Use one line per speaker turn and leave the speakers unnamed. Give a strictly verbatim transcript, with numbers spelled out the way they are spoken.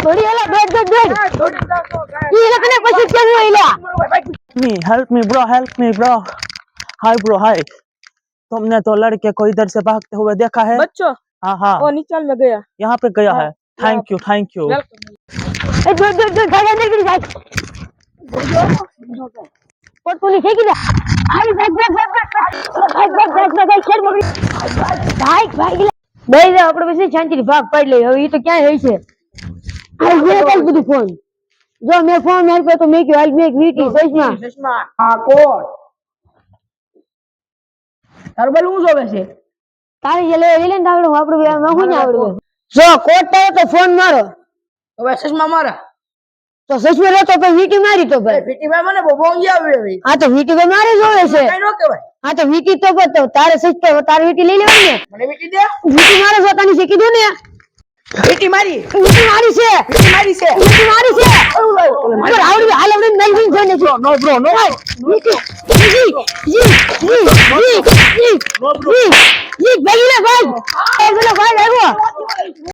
થોડી એલા બેઠ બેઠ બેઠ ઈ તને પછી કેવું એલા
me help me bro help me bro hi bro hi तुमने तो लड़के को इधर से भागते हुए देखा है
बच्चों
हाँ हाँ
वो नीचाल में गया
यहाँ पे गया है थैंक यू थैंक यू
એ દોડ દોડ દોડ ભાગ અંદર કરી જાય પોટ પોલી ફેંકી દે આઈ ભાગ ભાગ ભાગ ભાગ ભાગ ભાગ ભાગ શેર મોગી ભાગ ભાગ બે દે આપણે પછી શાંતિથી ભાગ પાડી લઈ હવે ઈ તો ક્યાં હઈ છે આ જે કઈ બધું ફોન જો મે ફોન માર પે તો મે કે હાલ મે એક વીટી સજમાં
चश्मा हाँ कोट तरबल હું જોવે છે
તારી જે લે લે ને આવડું આપણે માં હું ને આવડું જો કોટ પાયો તો ફોન મારો
હવે ચશ્મા મારા
તો સચમાં રહેતો તો વીટી મારી તો ભાઈ
પીટી ભાઈ મને બહુ બોંગી આવી હવે
હા તો વીટી તો મારે જોવે છે
કઈ નો કહેવાય
હા તો વીટી તો બતો તારે સચતો તારે વીટી લઈ લેવાની ને
મને વીટી દે
વીટી મારે જોતાની છે કીધું ને
વીટી મારી
વીટી મારી છે
વીટી મારી છે
વીટી મારી છે મારે આવડી હાલ આવડી નહીં નહીં જોઈને છે
नो ब्रो नो
વીટી જી જી જી જી જી નો બ્રો જી જી ભાઈ લે ભાઈ એ પેલો ભાઈ આવ્યો